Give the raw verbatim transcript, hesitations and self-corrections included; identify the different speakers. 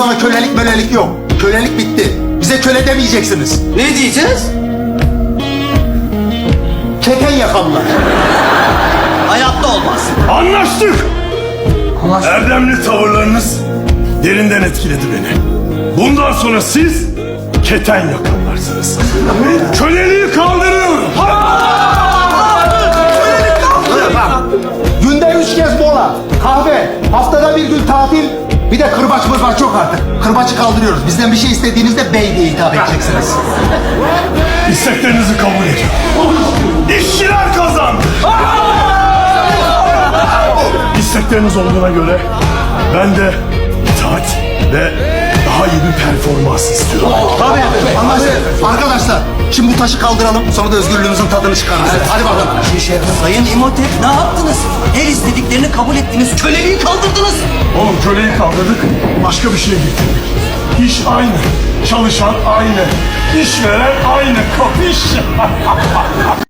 Speaker 1: sonra kölelik mölelik yok. Kölelik bitti. Bize köle demeyeceksiniz.
Speaker 2: Ne diyeceğiz?
Speaker 1: Keten yakamlar.
Speaker 2: Hayatta olmaz.
Speaker 3: Anlaştık. Erdemli tavırlarınız derinden etkiledi beni. Bundan sonra siz keten yakanlarsınız. Köleliği kaldırıyorum.
Speaker 1: Günde üç kez mola, kahve, haftada bir gün tatil, bir de kırbaç mırbaç çok artık. Kırbacı kaldırıyoruz. Bizden bir şey istediğinizde bey diye hitap edeceksiniz.
Speaker 3: İsteklerinizi kabul ediyorum. İşçiler kazandı. İstekleriniz olduğuna göre ben de itaat ve daha iyi bir performans istiyorum.
Speaker 1: Tabii, anlaştık. Arkadaşlar, şimdi bu taşı kaldıralım, sonra da özgürlüğümüzün tadını çıkarırız. Hadi bakalım.
Speaker 2: Sayın İmhotep ne yaptınız? Her istediklerini kabul ettiniz. Köleliği kaldırdınız.
Speaker 3: Oğlum köleyi kaldırdık, başka bir şey getirdik. İş aynı, çalışan aynı, işveren aynı, kapış.